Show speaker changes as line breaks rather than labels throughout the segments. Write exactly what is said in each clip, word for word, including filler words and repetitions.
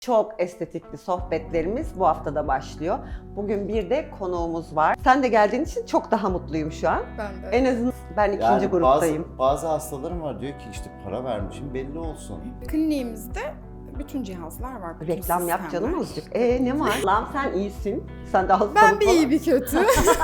Çok estetikli sohbetlerimiz bu haftada başlıyor. Bugün bir de konuğumuz var. Sen de geldiğin için çok daha mutluyum şu an.
Ben de.
En azından ben ikinci
Yani
gruptayım.
Bazı, bazı hastalarım var diyor ki işte para vermişim belli olsun.
Kliniğimizde bütün cihazlar var. Bütün
Reklam yap
sistemler.
canım azıcık. Ee ne var? Lan sen iyisin. Sen de hastalık
Ben bir
falan.
iyi bir kötü.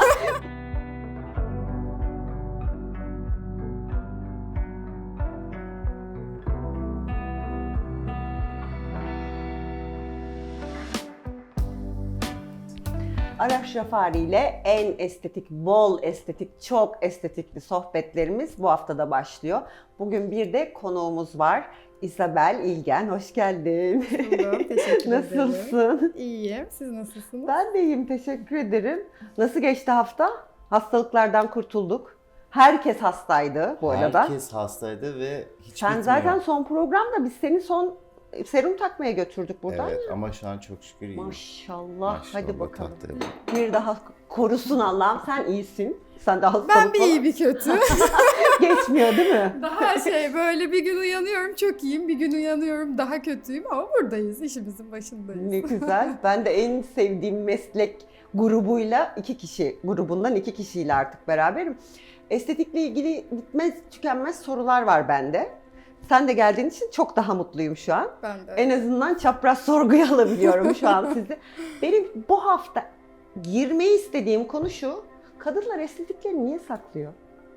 Araş Rafari ile en estetik, bol estetik, çok estetikli sohbetlerimiz bu haftada başlıyor. Bugün bir de konuğumuz var. İsabel İlgen, hoş geldin.
Buldum, teşekkür ederim.
Nasılsın?
İyiyim. Siz nasılsınız?
Ben de iyiyim, teşekkür ederim. Nasıl geçti hafta? Hastalıklardan kurtulduk. Herkes hastaydı bu arada.
Herkes hastaydı ve hiç
Sen
bitmiyor.
zaten son programda biz seni son serum takmaya götürdük buradan.
Evet ama şu an çok şükür iyiyim.
Maşallah.
Maşallah,
Hadi bakalım.
tahtaya bak.
Bir daha korusun Allah'ım. Sen iyisin. Sen de hastalık
Ben bir
falan
iyi bir kötü.
geçmiyor değil mi?
Daha şey böyle bir gün uyanıyorum çok iyiyim, bir gün uyanıyorum daha kötüyüm ama buradayız, işimizin başındayız.
Ne güzel. Ben de en sevdiğim meslek grubuyla iki kişi, grubundan iki kişiyle artık beraberim. Estetikle ilgili bitmez tükenmez sorular var bende. Sen de geldiğin için çok daha mutluyum şu an.
Ben de.
En azından çapraz sorguya alabiliyorum şu an sizi. Benim bu hafta girmeyi istediğim konu şu. Kadınlar estetiklerini niye saklıyor?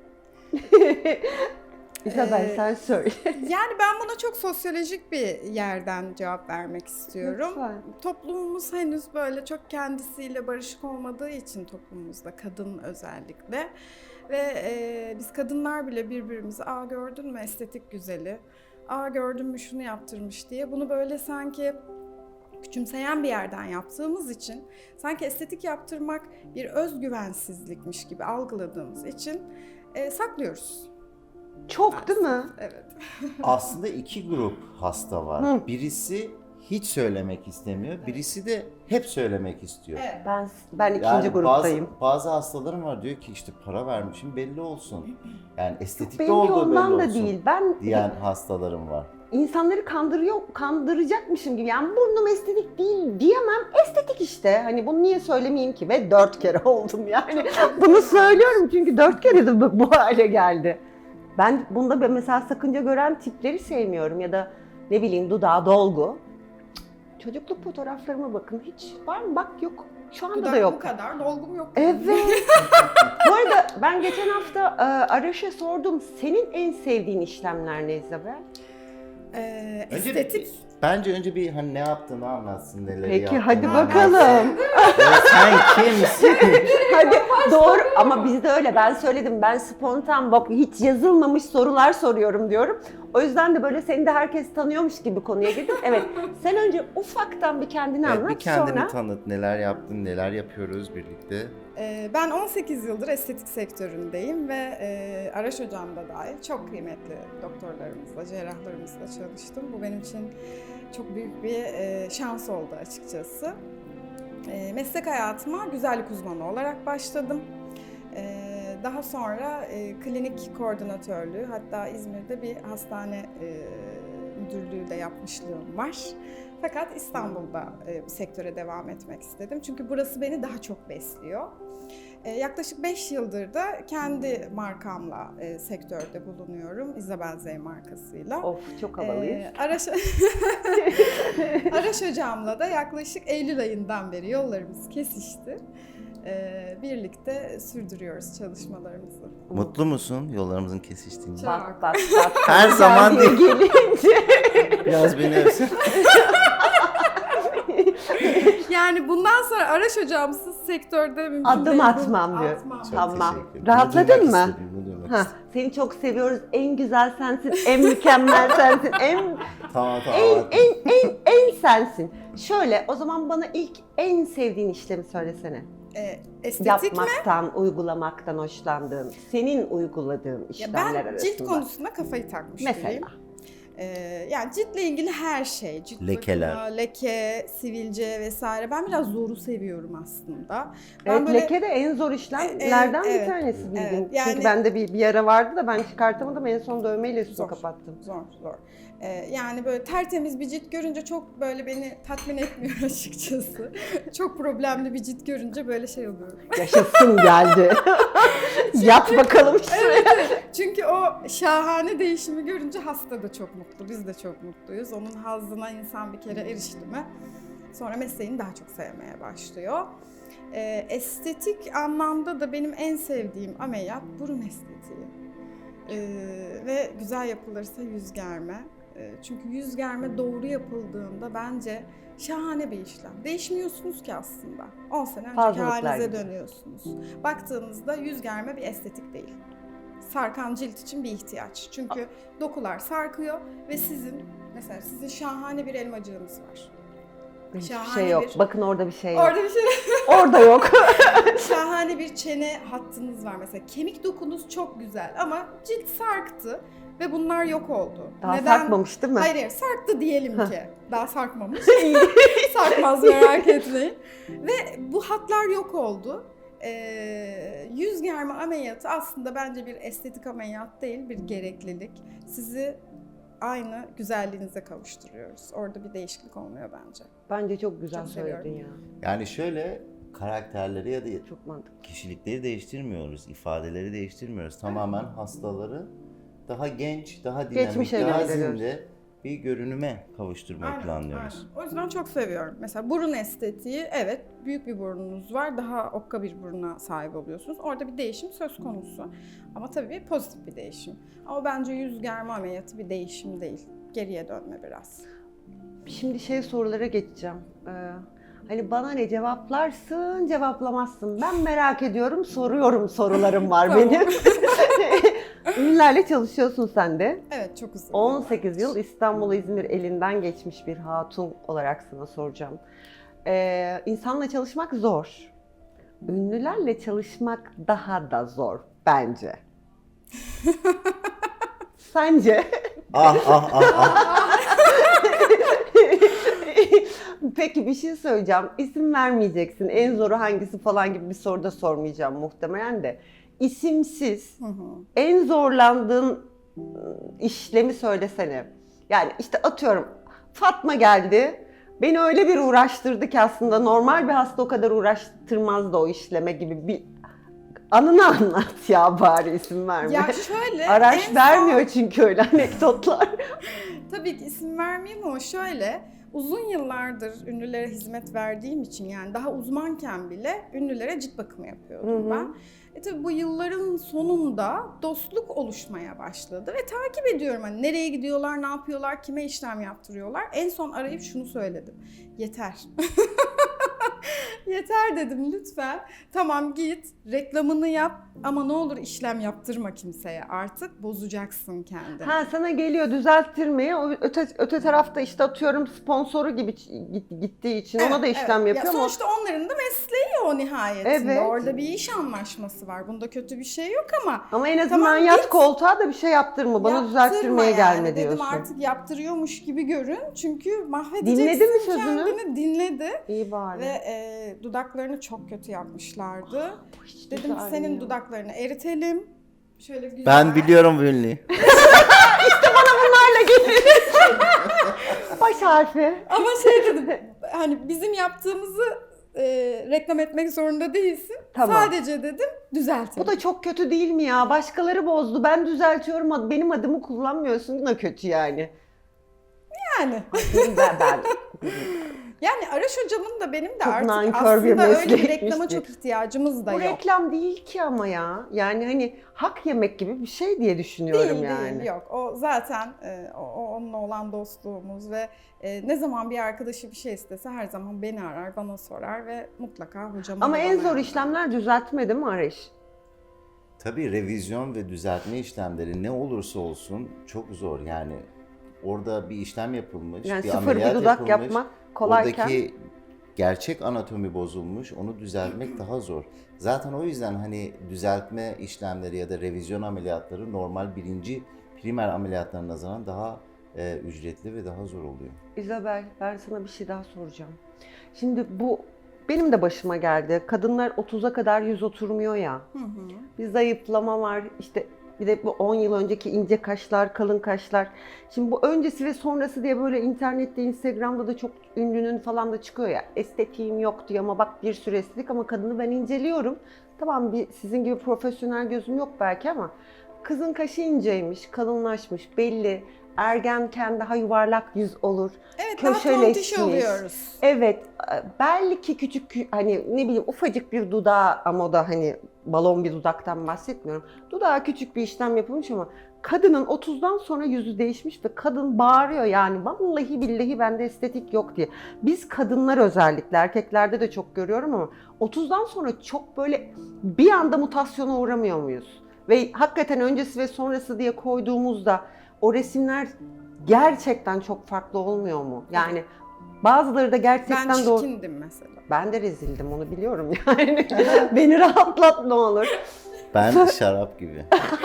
İsabel
Ee,
sen söyle.
Yani ben buna çok sosyolojik bir yerden cevap vermek istiyorum.
Lütfen.
Toplumumuz henüz böyle çok kendisiyle barışık olmadığı için toplumumuzda kadın özellikle ve e, biz kadınlar bile birbirimizi aa gördün mü estetik güzeli, aa gördün mü şunu yaptırmış diye bunu böyle sanki küçümseyen bir yerden yaptığımız için sanki estetik yaptırmak bir özgüvensizlikmiş gibi algıladığımız için e, saklıyoruz.
Çok değil mi?
Evet.
Aslında iki grup hasta var.
Hı.
Birisi hiç söylemek istemiyor, birisi de hep söylemek istiyor.
Evet.
Ben ben ikinci
Yani
gruptayım.
Bazı, bazı hastalarım var diyor ki işte para vermişim belli olsun. Yani estetikte
Benimki
olduğu belli
ondan da
olsun
değil. Ben
diyen hastalarım var.
insanları kandırıyor, kandıracakmışım gibi. Yani burnum estetik değil diyemem. Estetik işte. Hani bunu niye söylemeyeyim ki? Ve dört kere oldum yani. Bunu söylüyorum çünkü dört kere de bu- bu hale geldi. Ben bunda ben mesela sakınca gören tipleri sevmiyorum ya da ne bileyim dudağı dolgu. Cık, çocukluk fotoğraflarıma bakın. Hiç var mı? Bak yok. Şu anda
Dudak
da
bu
yok.
kadar, dolgum yok.
Evet. Bu arada ben geçen hafta e, Araş'a sordum. Senin en sevdiğin işlemler ne İzabel?
Ee,
Önce
estetik.
Bence önce bir hani ne yaptığını anlatsın, neleri
Peki
yaptığını
hadi
anlatsın.
bakalım.
Ya sen kimsin?
Hadi doğru ama bizde öyle. Ben söyledim. Ben spontan bak hiç yazılmamış sorular soruyorum diyorum. O yüzden de böyle seni de herkes tanıyormuş gibi konuya girdim. Evet. Sen önce ufaktan bir kendini
Evet,
anlat
bir kendini
sonra.
tanıt, neler yaptın, neler yapıyoruz birlikte.
Ee, ben on sekiz yıldır estetik sektöründeyim ve e, Araş Hocam da dahil çok kıymetli doktorlarımızla, cerrahlarımızla çalıştım. Bu benim için çok büyük bir e, şans oldu açıkçası. E, meslek hayatıma güzellik uzmanı olarak başladım. E, daha sonra e, klinik koordinatörlüğü, hatta İzmir'de bir hastane e, müdürlüğü de yapmışlığım var. Fakat İstanbul'da e, sektöre devam etmek istedim. Çünkü burası beni daha çok besliyor. E, yaklaşık beş yıldır da kendi markamla e, sektörde bulunuyorum. Isabel Z markasıyla.
Of çok havalıyız.
E, Araş... Araş Hocam'la da yaklaşık Eylül ayından beri yollarımız kesişti. E, birlikte sürdürüyoruz çalışmalarımızı.
Mutlu musun yollarımızın kesiştiğini?
Çok.
Bak bak bak.
Her zaman
Geldiği
değil.
gelince.
Biraz beni övsün.
Yani bundan sonra Araş Hocamsız sektörde mümkün
Adım
değil.
atmam diyor.
Atmam.
Çok
Tamam.
teşekkür ederim.
Rahatladın
Bunu duymak
mı?
istedim, bunu duymak
Ha,
istedim.
seni çok seviyoruz. En güzel sensin, en mükemmel sensin, en
Tamam tamam.
en
anladım.
en en en sensin. Şöyle, o zaman bana ilk en sevdiğin işlemi söylesene.
E, estetik mi?
Yapmaktan, uygulamaktan hoşlandığın, senin uyguladığın
Ya
işlemler
ben
arasında.
cilt konusunda kafayı takmış biriyim.
Mesela.
Ee, yani ciltle ilgili her şey, cilt
Lekeler.
bakımı, leke, sivilce vesaire. Ben biraz zoru seviyorum aslında. Ben
Evet,
böyle-
leke de en zor işlemlerden
Evet,
bir tanesi bildiğin.
evet, yani-
Çünkü bende bir, bir yara vardı da ben çıkartamadım, en son dövmeyle üstünü
Zor.
kapattım.
Zor, zor. Ee, yani böyle tertemiz bir cilt görünce çok böyle beni tatmin etmiyor açıkçası. Çok problemli bir cilt görünce böyle şey oluyorum.
Yaşasın geldi. Yat bakalım şuraya.
Çünkü o şahane değişimi görünce hasta da çok mutlu, biz de çok mutluyuz. Onun hazzına insan bir kere erişti mi, sonra mesleğini daha çok sevmeye başlıyor. Ee, estetik anlamda da benim en sevdiğim ameliyat burun estetiği. Ee, ve güzel yapılırsa yüz germe. Ee, çünkü yüz germe doğru yapıldığında bence şahane bir işlem. Değişmiyorsunuz ki aslında. on sene önceki
Fazlalıklar
halinize
gibi.
dönüyorsunuz. Baktığınızda yüz germe bir estetik değil. Sarkan cilt için bir ihtiyaç. Çünkü dokular sarkıyor ve sizin, mesela sizin şahane bir elmacığınız var.
Hiçbir
Şahane
şey yok.
bir-
Bakın orada bir şey yok.
Orada bir şey
Orada yok.
şahane bir çene hattınız var mesela. Kemik dokunuz çok güzel ama cilt sarktı ve bunlar yok oldu.
Daha sarkmamış değil mi?
Hayır, hayır, sarktı diyelim ki. Daha sarkmamış. Sarkmaz, merak etmeyin. Ve bu hatlar yok oldu. Ee, yüz germe ameliyatı aslında bence bir estetik ameliyat değil, bir gereklilik. Sizi aynı güzelliğinize kavuşturuyoruz. Orada bir değişiklik olmuyor bence.
Bence çok güzel
Çok
söyledin
seviyorum.
ya.
Yani şöyle karakterleri ya da
Çok mantıklı.
kişilikleri değiştirmiyoruz, ifadeleri değiştirmiyoruz. Tamamen hastaları daha genç, daha dinamik,
Geçmişe
daha
gönderiyoruz.
zinde bir görünüme kavuşturmayı
Aynen,
planlıyoruz.
aynen. O yüzden çok seviyorum. Mesela burun estetiği, evet büyük bir burnunuz var, daha okka bir buruna sahip oluyorsunuz. Orada bir değişim söz konusu. Ama tabii pozitif bir değişim. Ama bence yüz germe ameliyatı bir değişim değil. Geriye dönme biraz.
Şimdi şey sorulara geçeceğim. Ee, hani bana ne cevaplarsın, cevaplamazsın. Ben merak ediyorum, soruyorum sorularım var
Tamam.
benim. Ünlülerle çalışıyorsun sen de.
Evet, çok uzun.
on sekiz yıl İstanbul, İzmir elinden geçmiş bir hatun olarak sana soracağım. Ee, insanla çalışmak zor. Ünlülerle çalışmak daha da zor bence. Sence?
Ah ah ah ah.
Peki bir şey söyleyeceğim. İsim vermeyeceksin. En zoru hangisi falan gibi bir soru da sormayacağım muhtemelen de. İsimsiz
Hı hı.
en zorlandığın ıı, işlemi söylesene. Yani işte atıyorum Fatma geldi. Beni öyle bir uğraştırdı ki aslında normal bir hasta o kadar uğraştırmazdı o işleme gibi bir anını anlat ya, bari isim verme.
Ya şöyle,
Araç
en
vermiyor çünkü öyle anekdotlar.
Tabii ki isim vermeyeyim ama şöyle, uzun yıllardır ünlülere hizmet verdiğim için, yani daha uzmanken bile ünlülere cilt bakımı yapıyordum
Hı hı.
ben. E tabii bu yılların sonunda dostluk oluşmaya başladı ve takip ediyorum hani nereye gidiyorlar, ne yapıyorlar, kime işlem yaptırıyorlar. En son arayıp şunu söyledim: yeter. Yeter dedim, lütfen. Tamam git, reklamını yap ama ne olur işlem yaptırma kimseye, artık bozacaksın kendini.
Ha, sana geliyor düzelttirmeye, o öte, öte tarafta işte atıyorum sponsoru gibi git- gittiği için ona da işlem
evet.
yapıyor
Ya
ama
sonuçta onların da mesleği o nihayetinde.
Evet.
Orada bir iş anlaşması var. Bunda kötü bir şey yok ama
ama en azından
Tamam,
yat
git.
koltuğa da bir şey yaptırma, bana
yaptırma
düzelttirmeye
yani.
gelme
Dedim
diyorsun.
artık yaptırıyormuş gibi görün. Çünkü mahvedeceksin
Dinledi mi sözünü?
kendini. Dinledi.
İyi bari.
Ve e, dudaklarını çok kötü yapmışlardı.
Bu hiç
Dedim
güzel
senin
ya.
dudaklarını eritelim. Şöyle güzel.
Ben biliyorum bu ünlüyü.
Baş harfi.
Ama şey dedim, hani bizim yaptığımızı e, reklam etmek zorunda değilsin.
Tamam.
Sadece dedim düzeltelim.
Bu da çok kötü değil mi ya? Başkaları bozdu, ben düzeltiyorum, ad- benim adımı kullanmıyorsun da kötü yani.
yani.
ben, ben.
Yani Araş hocamın da benim de
Çok
artık
nankör bir
aslında öyle bir
meslekmiş
reklama
ki.
çok ihtiyacımız da
Bu
yok.
reklam değil ki ama ya. Yani hani hak yemek gibi bir şey diye düşünüyorum
Değil
yani.
değil, yok. O zaten e, o, o onunla olan dostluğumuz ve e, ne zaman bir arkadaşı bir şey istese her zaman beni arar, bana sorar ve mutlaka hocama
Ama
da
en
bana
zor
yapar.
işlemler düzeltme değil mi Areş?
Tabii revizyon ve düzeltme işlemleri ne olursa olsun çok zor. Yani orada bir işlem yapılmış,
Yani
bir
sıfır bir
ameliyat
dudak
yapılmış.
yapmak kolayken.
Oradaki gerçek anatomi bozulmuş, onu düzeltmek daha zor. Zaten o yüzden hani düzeltme işlemleri ya da revizyon ameliyatları normal birinci primer ameliyatlarına nazaran daha e, ücretli ve daha zor oluyor.
İzabel, ben sana bir şey daha soracağım. Şimdi bu benim de başıma geldi. Kadınlar otuza kadar yüz oturmuyor ya.
Hı hı.
Bir zayıflama var, işte Bir de bu on yıl önceki ince kaşlar, kalın kaşlar. Şimdi bu öncesi ve sonrası diye böyle internette, Instagram'da da çok ünlünün falan da çıkıyor ya. Estetiğim yok diyor ama bak bir sürü estetik ama kadını ben inceliyorum. Tamam, bir sizin gibi profesyonel gözüm yok belki ama kızın kaşı inceymiş, kalınlaşmış, belli. Ergenken daha yuvarlak yüz olur.
Evet, daha tontiş oluyoruz.
Evet, belki küçük, hani ne bileyim ufacık bir dudağı, ama o da hani balon bir dudaktan bahsetmiyorum. Dudağa küçük bir işlem yapılmış ama kadının otuzdan sonra yüzü değişmiş ve kadın bağırıyor yani vallahi billahi bende estetik yok diye. Biz kadınlar özellikle, erkeklerde de çok görüyorum ama otuzdan sonra çok böyle bir anda mutasyona uğramıyor muyuz? Ve hakikaten öncesi ve sonrası diye koyduğumuzda o resimler gerçekten çok farklı olmuyor mu? Yani bazıları da gerçekten
Ben
doğru.
çirkindim mesela.
Ben de rezildim, onu biliyorum yani. Beni rahatlat ne olur.
Ben şarap gibi.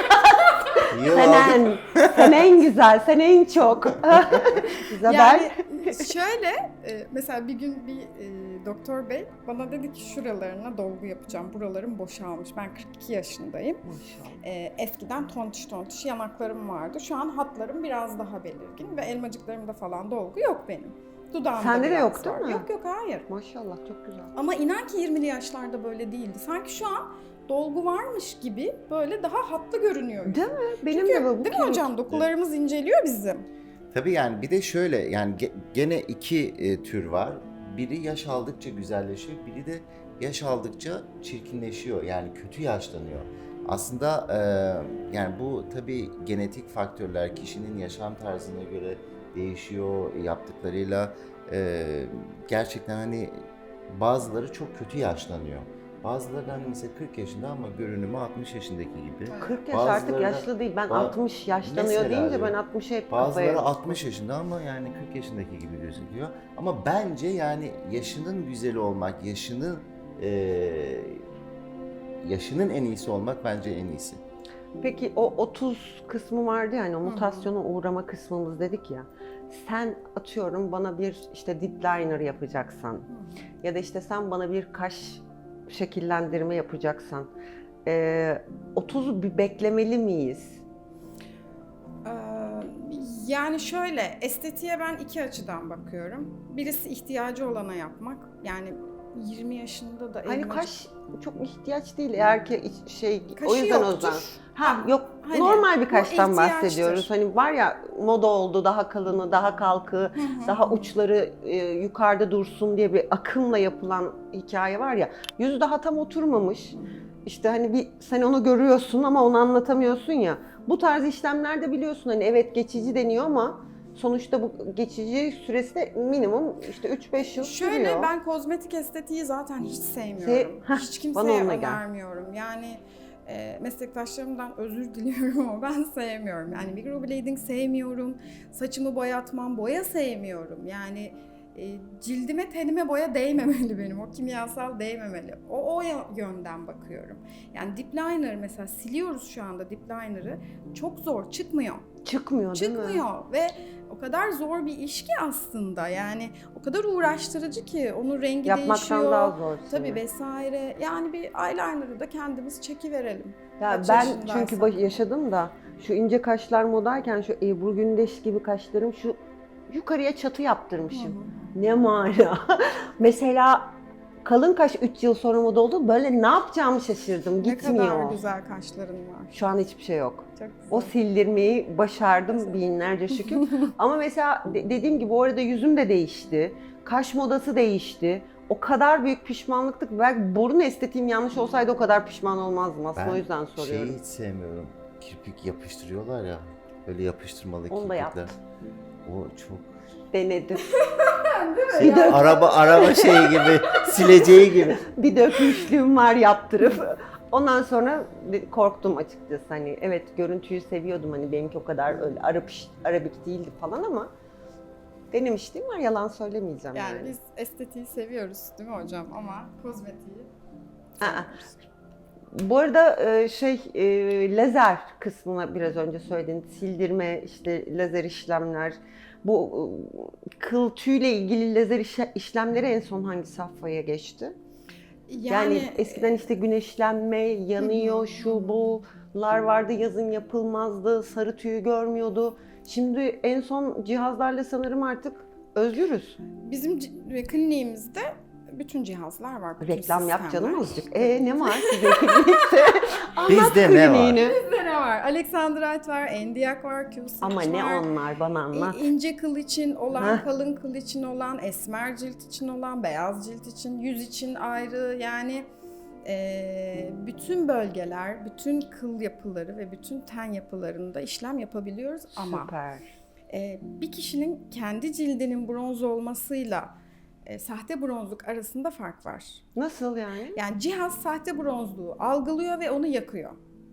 Yıl
Sen
aldık.
en, sen en güzel, sen en çok. İzabel.
Yani şöyle, e, mesela bir gün bir e, doktor bey bana dedi ki şuralarına dolgu yapacağım. Buralarım boşalmış. Ben kırk iki yaşındayım. E, eskiden tontiş tontiş yanaklarım vardı. Şu an hatlarım biraz daha belirgin ve elmacıklarımda falan dolgu yok benim. Dudağımda
Sende de
biraz
yok değil
var.
mi?
Yok yok, hayır.
Maşallah, çok güzel.
Ama inan ki yirmili yaşlarda böyle değildi. Sanki şu an dolgu varmış gibi böyle daha hatlı görünüyor.
Değil mi? Benim
Çünkü,
de bu. bu
değil mi hocam? Dokularımız inceliyor bizim.
Tabii yani bir de şöyle, yani ge- gene iki e, tür var. Biri yaş aldıkça güzelleşiyor, biri de yaş aldıkça çirkinleşiyor. Yani kötü yaşlanıyor. Aslında e, yani bu tabii genetik faktörler kişinin yaşam tarzına göre değişiyor, yaptıklarıyla e, gerçekten hani bazıları çok kötü yaşlanıyor. Bazıları hani mesela kırk yaşında ama görünümü altmış yaşındaki gibi.
kırk yaş
Bazıları
artık
da-
yaşlı değil. Ben
Ba-
altmış yaşlanıyor
Mesela
deyince ben
diyor.
altmışa hep kafaya...
Bazıları altmış yaşında ama yani kırk yaşındaki gibi gözüküyor. Ama bence yani yaşının güzeli olmak, yaşının eee, yaşının en iyisi olmak bence en iyisi.
Peki o otuz kısmı vardı yani, o mutasyona uğrama kısmımız dedik ya. Sen atıyorum bana bir işte dip liner yapacaksan ya da işte sen bana bir kaş şekillendirme yapacaksan e, otuzu bir beklemeli miyiz?
Ee, Yani şöyle, estetiğe ben iki açıdan bakıyorum. Birisi ihtiyacı olana yapmak. Yani yirmi yaşında da
Hani
elmacık-
kaş çok ihtiyaç değil eğer ki iç- şey
Kaşı
o yüzden o
yoktur.
yüzden. Ha yok,
Hani
normal bir
bu
kaştan
ihtiyaçtır.
bahsediyoruz. Hani var ya, moda oldu daha kalını, daha kalkı,
Hı hı.
daha uçları e, yukarıda dursun diye bir akımla yapılan hikaye var ya. Yüzü daha tam oturmamış. İşte hani bir sen onu görüyorsun ama onu anlatamıyorsun ya. Bu tarz işlemlerde biliyorsun hani evet geçici deniyor ama sonuçta bu geçici süresi de minimum işte üç beş yıl
Şöyle,
sürüyor.
ben kozmetik estetiği zaten hiç sevmiyorum.
Se- Heh,
hiç
bana
kimseye
onunla gel.
önermiyorum. Yani e, meslektaşlarımdan özür diliyorum ama ben sevmiyorum. Yani microblading sevmiyorum. Saçımı boyatmam, boya sevmiyorum. Yani e, cildime, tenime boya değmemeli benim. O kimyasal değmemeli. O, o yönden bakıyorum. Yani dip liner mesela siliyoruz şu anda dip liner'ı. Çok zor, çıkmıyor.
Çıkmıyor değil mi?
Çıkmıyor ve o kadar zor bir iş ki aslında, yani o kadar uğraştırıcı ki onun rengi
Yapmaktan
değişiyor.
daha zor.
Tabii vesaire. Yani bir eyeliner'ı da kendimiz çekiverelim.
Ya
Kaç
ben
yaşındaysak.
çünkü baş- yaşadım da şu ince kaşlar modayken şu Ebru Gündeş gibi kaşlarım şu yukarıya çatı yaptırmışım.
Hı hı.
Ne mana. Mesela kalın kaş üç yıl sonra moda oldu. Böyle ne yapacağımı şaşırdım.
Ne
Gitmiyor.
kadar güzel kaşların var.
Şu an hiçbir şey yok.
Çok güzel.
O sildirmeyi başardım binlerce şükür. Ama mesela de- dediğim gibi o arada yüzüm de değişti. Kaş modası değişti. O kadar büyük pişmanlıktık. Belki burun estetiğim yanlış olsaydı o kadar pişman olmazdım aslında,
Ben
o yüzden soruyorum.
şeyi hiç sevmiyorum. Kirpik yapıştırıyorlar ya. Böyle yapıştırmalı
Onu da
kirpikler.
yaptım.
O çok
Denedim.
şey, araba araba şeyi gibi, sileceği gibi.
Bir dökmüşlüğüm var yaptırıp. Ondan sonra de- korktum açıkçası. Hani evet görüntüyü seviyordum. Hani benimki o kadar öyle Arap arabik değildi falan ama denemişliğim var, yalan söylemeyeceğim yani.
Yani biz estetiği seviyoruz değil mi hocam, ama kozmetiği
Aa. Bu arada e, şey e, lazer kısmına biraz önce söyledin. Sildirme, işte lazer işlemler. Bu e, kıl tüyle ilgili lazer işe- işlemleri en son hangi safhaya geçti? Yani, eskiden işte güneşlenme, yanıyor, şu bu. cihazlar vardı, yazın yapılmazdı, sarı tüyü görmüyordu. Şimdi en son cihazlarla sanırım artık özgürüz.
Bizim c- kliniğimizde bütün cihazlar var. Bütün
Reklam yap
sistemler.
canım azıcık. E ne var sizin klinikte? Anlat
Bizde ne var?
kliniğini.
Bizde ne var? Alexandrite var, Endiak var, Q-Switch
Ama ne
var.
onlar bana anlat.
İ- İnce kıl için olan,
Heh.
kalın kıl için olan, esmer cilt için olan, beyaz cilt için, yüz için ayrı. Yani e, bütün bölgeler, bütün kıl yapıları ve bütün ten yapılarında işlem yapabiliyoruz. Ama
Süper.
e, bir kişinin kendi cildinin bronz olmasıyla e, sahte bronzluk arasında fark var.
Nasıl yani?
Yani cihaz sahte bronzluğu algılıyor ve onu yakıyor.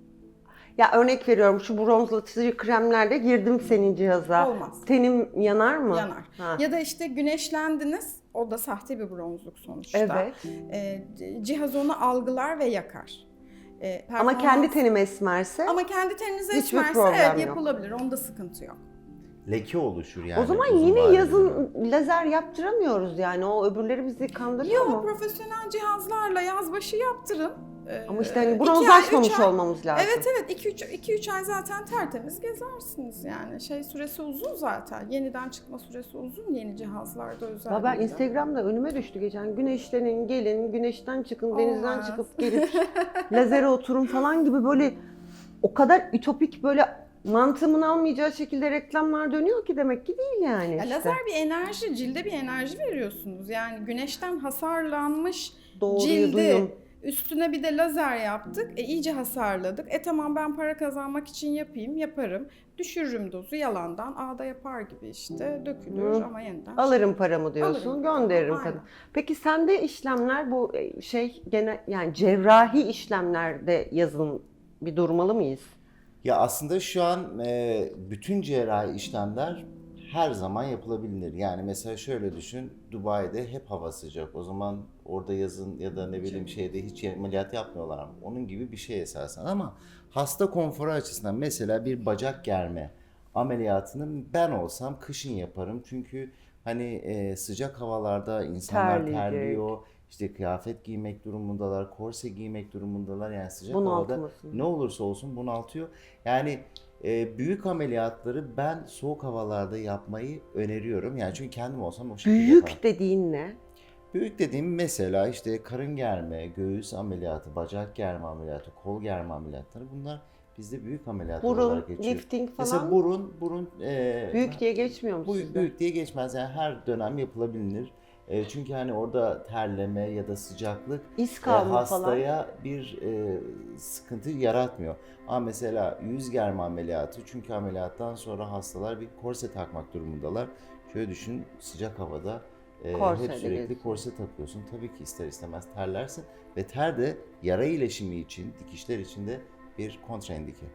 Ya örnek veriyorum, şu bronzlatıcı kremlerle girdim senin cihaza.
Olmaz.
Tenim yanar mı?
Yanar.
Ha.
Ya da işte güneşlendiniz, o da sahte bir bronzluk sonuçta.
Evet.
E, c- cihaz onu algılar ve yakar. E,
Ama
performans-
kendi tenim esmerse
Ama kendi teninize
Hiçbir
esmerse
problem
evet
yok.
yapılabilir, onda sıkıntı yok.
Leke oluşur yani.
o zaman
uzun
yine
vadede.
yazın lazer yaptıramıyoruz yani. O öbürleri bizi kandırıyor
Yok,
mu?
profesyonel cihazlarla yazbaşı yaptırın. E,
Ama işte hani
iki ay,
bronzlaşmamış
üç ay-
olmamız lazım.
Evet evet iki üç ay zaten tertemiz gezersiniz yani. Şey süresi uzun zaten. Yeniden çıkma süresi uzun yeni cihazlarda özellikle.
Ya ben Instagram'da önüme düştü geçen. Güneşlenin, gelin, güneşten çıkın, denizden
Olmaz.
çıkıp gelip lazere oturun falan gibi böyle o kadar ütopik, böyle mantığımın almayacağı şekilde reklamlar dönüyor ki demek ki değil yani
Ya
işte.
lazer bir enerji, cilde bir enerji veriyorsunuz. Yani güneşten hasarlanmış
Doğruyu
cildi
duyun.
üstüne bir de lazer yaptık. E iyice hasarladık. E tamam ben para kazanmak için yapayım, yaparım. Düşürürüm dozu yalandan. Ağda yapar gibi işte dökülür
Hı.
ama yeniden.
Alırım paramı diyorsun,
Alırım.
gönderirim
Aynen.
kadın. Peki sende işlemler bu şey gene yani cerrahi işlemlerde yazın bir durmalı mıyız?
Ya aslında şu an e, bütün cerrahi işlemler her zaman yapılabilir. Yani mesela şöyle düşün, Dubai'de hep hava sıcak. O zaman orada yazın ya da ne bileyim şeyde hiç ameliyat yapmıyorlar. Onun gibi bir şey esasen. Ama hasta konforu açısından mesela bir bacak germe ameliyatını ben olsam kışın yaparım. Çünkü hani e, sıcak havalarda insanlar
Terleyecek.
terliyor. İşte kıyafet giymek durumundalar, korse giymek durumundalar. Yani sıcak
Bunaltmasın.
havada ne olursa olsun bunaltıyor. Yani e, büyük ameliyatları ben soğuk havalarda yapmayı öneriyorum. Yani çünkü kendim olsam o şekilde yaparım.
Büyük dediğin ne?
Büyük dediğim mesela işte karın germe, göğüs ameliyatı, bacak germe ameliyatı, kol germe ameliyatları bunlar bizde büyük ameliyat
Burun,
olarak geçiyor.
lifting falan
Mesela burun, burun e,
büyük diye geçmiyor mu
bu
sizde?
büyük diye geçmez. Yani her dönem yapılabilir. E, çünkü hani orada terleme ya da sıcaklık
İz
e,
kalma falan.
hastaya bir e, sıkıntı yaratmıyor. Ama mesela yüz germe ameliyatı, çünkü ameliyattan sonra hastalar bir korse takmak durumundalar. Şöyle düşün, sıcak havada e,
Korseyle
hep sürekli
geziyorsun.
korse takıyorsun. Tabii ki ister istemez terlersin ve ter de yara iyileşimi için, dikişler için de bir kontraindike.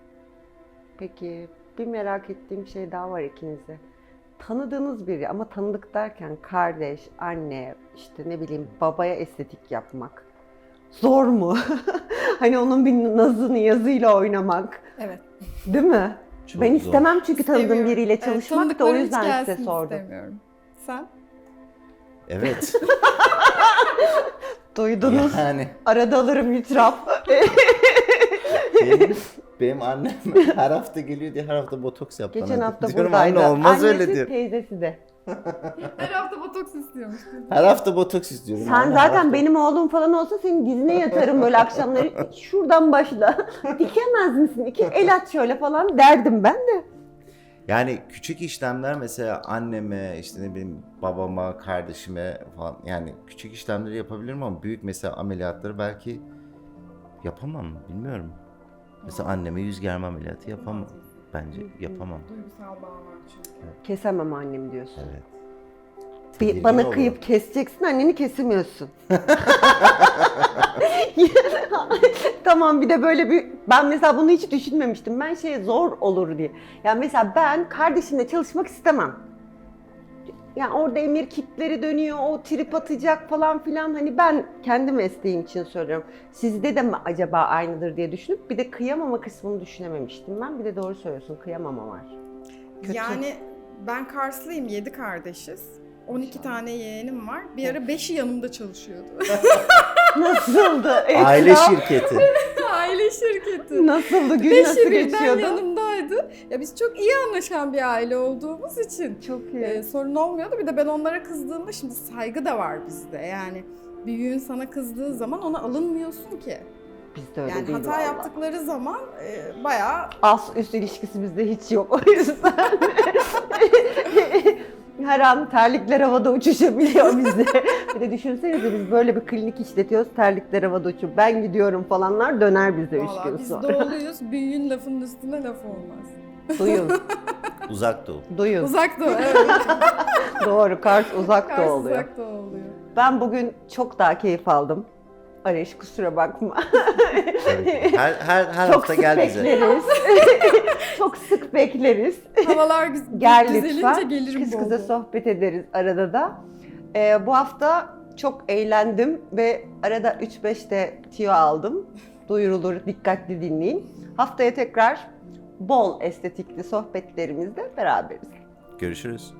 Peki bir merak ettiğim şey daha var ikinize. Tanıdığınız biri ama tanıdık derken kardeş, anne, işte ne bileyim babaya estetik yapmak zor mu? Hani onun bir nazını yazıyla oynamak,
Evet.
değil mi?
Çok
Ben
zor.
istemem çünkü tanıdığım
İstemiyorum.
biriyle
Evet,
çalışmak da o
tanıdıklarım hiç
yüzden size
gelsin
sordum.
istemiyorum. Sen?
Evet.
Duydunuz.
Yani
Arada alırım itiraf.
benim, benim annem her hafta geliyor diye her hafta botoks yap bana.
Geçen hafta
Diyorum,
buradaydı.
anne olmaz
Annesi,
öyle diyor.
teyzesi de.
Her hafta botoks istiyormuş.
Her hafta botoks istiyorum.
Sen
Anne, her
zaten
hafta-
benim oğlum falan olsa senin dizine yatarım böyle akşamları. Şuradan başla. Dikemez misin? İki el at şöyle falan derdim ben de.
Yani küçük işlemler mesela anneme, işte ne bileyim babama, kardeşime falan, yani küçük işlemleri yapabilirim ama büyük mesela ameliyatları belki yapamam, bilmiyorum. Mesela anneme yüz germe ameliyatı yapamam. Bence yapamam.
Duygusal bağ var çünkü.
Kesemem annemi diyorsun.
Evet.
Bir,
Tedirgin
bana
olurum.
kıyıp keseceksin, anneni kesemiyorsun. Tamam, bir de böyle bir, ben mesela bunu hiç düşünmemiştim. Ben şey zor olur diye. Yani mesela ben kardeşimle çalışmak istemem. Yani orada emir kitleri dönüyor, o trip atacak falan filan. Hani ben kendi mesleğim için söylüyorum. Sizde de mi acaba aynıdır diye düşünüp bir de kıyamama kısmını düşünememiştim ben. Bir de doğru söylüyorsun, kıyamama var. Kötü.
Yani ben Karslıyım, yedi kardeşiz. on iki tane yeğenim var. Bir ara beşi yanımda çalışıyordu.
Nasıldı?
Aile
Etraf-
şirketi.
Aile şirketi.
Nasıldı? Gün
Beşi
nasıl
birden
geçiyordu?
yanımdaydı. Ya biz çok iyi anlaşan bir aile olduğumuz için
Çok iyi.
e, sorun olmuyordu. Bir de ben onlara kızdığımda şimdi saygı da var bizde. Yani büyüğün sana kızdığı zaman ona alınmıyorsun ki.
Bizde öyle
Yani
değil
hata
vallahi.
yaptıkları zaman e, bayağı
As üst ilişkisi bizde hiç yok o yüzden. Her an terlikler havada uçuşabiliyor bizde. Bir de düşünsenize biz böyle bir klinik işletiyoruz, terlikler havada uçup ben gidiyorum falanlar döner bize üç
vallahi
gün
biz
sonra.
doğuluyuz. Büyüğün lafının üstüne laf olmaz.
Duyun,
Uzak doğu.
duyun.
Uzak doğu, evet.
Doğru, Kars uzak
Kars
da oluyor.
uzak doğu oluyor.
Ben bugün çok daha keyif aldım. Arayış kusura bakma.
Tabii ki. Her, her, her
Çok
hafta
sık
gel bize.
bekleriz. Çok sık bekleriz.
Havalar güz-
Gel
düzelince
lütfen.
gelirim
Kız
bol
kıza
bol.
sohbet ederiz arada da. Ee, bu hafta çok eğlendim ve arada üç beş de tüyo aldım. Duyurulur, dikkatli dinleyin. Haftaya tekrar bol estetikli sohbetlerimizde beraberiz.
Görüşürüz.